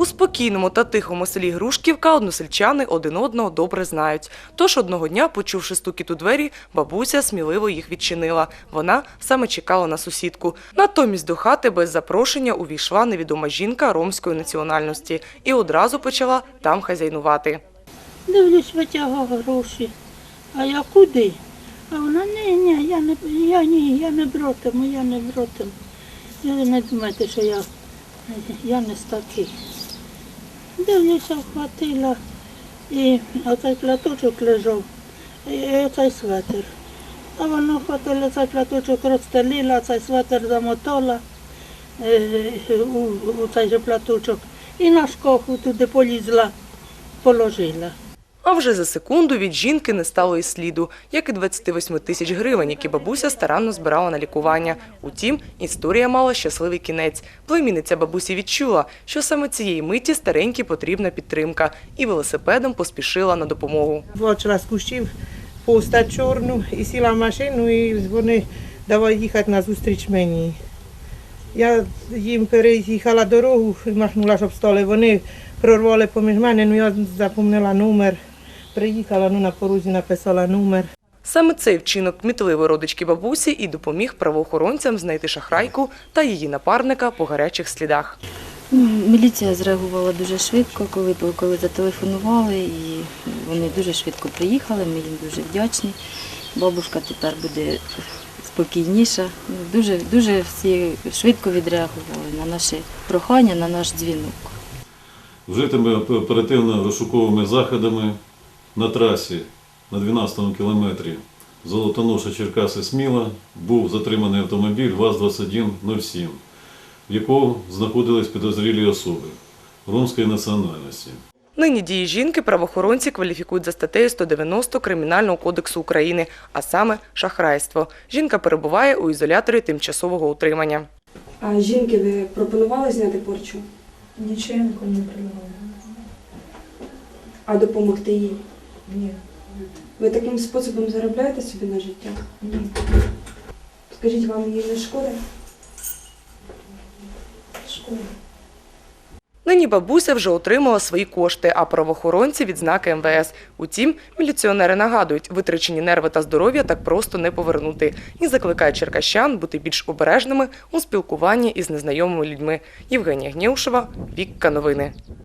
У спокійному та тихому селі Грушківка односельчани один одного добре знають. Тож одного дня, почувши стукіт у двері, бабуся сміливо їх відчинила. Вона саме чекала на сусідку. Натомість до хати без запрошення увійшла невідома жінка ромської національності і одразу почала там хазяйнувати. Дивлюсь, витягав гроші. А я куди? А вона, ні, я не братиму. Ви не думайте, що я не з таких. Дивлюся, вхватила, і оцей платочок лежав, і оцей светр. А вона вхватила цей платочок, розстелила, цей светр замотала у цей же платочок і на шкафу туди полізла, положила. А вже за секунду від жінки не стало і сліду, як і 28 тисяч гривень, які бабуся старанно збирала на лікування. Утім, історія мала щасливий кінець. Племінниця бабусі відчула, що саме цієї миті старенькій потрібна підтримка, і велосипедом поспішила на допомогу. Бачила з кущів постать чорну і сіла в машину, і вони давай їхати на зустріч мені. Я їм переїхала дорогу, махнула, щоб стали. Вони прорвали поміж мене, я запомнила номер. Приїхала, на порозі написала номер. Саме цей вчинок кмітливої родички бабусі і допоміг правоохоронцям знайти шахрайку та її напарника по гарячих слідах. Міліція зреагувала дуже швидко, коли зателефонували, і вони дуже швидко приїхали, ми їм дуже вдячні. Бабушка тепер буде спокійніша. Дуже всі швидко відреагували на наші прохання, на наш дзвінок. Вжитими оперативно-розшуковими заходами на трасі на 12-му кілометрі Золотоноша-Черкаси-Сміла був затриманий автомобіль ВАЗ-2107, в якому знаходились підозрілі особи ромської національності. Нині дії жінки правоохоронці кваліфікують за статтею 190 Кримінального кодексу України, а саме шахрайство. Жінка перебуває у ізоляторі тимчасового утримання. А жінки ви пропонували зняти порчу? Нічого я нікому не предлагала. А допомогти їй? Ні. Ви таким способом заробляєте собі на життя? Ні. Скажіть, вам її не шкода? Шкода. Нині бабуся вже отримала свої кошти, а правоохоронці – відзнаки МВС. Утім, міліціонери нагадують, витрачені нерви та здоров'я так просто не повернути. І закликають черкащан бути більш обережними у спілкуванні із незнайомими людьми. Євгенія Гнєушева, Вікка Новини.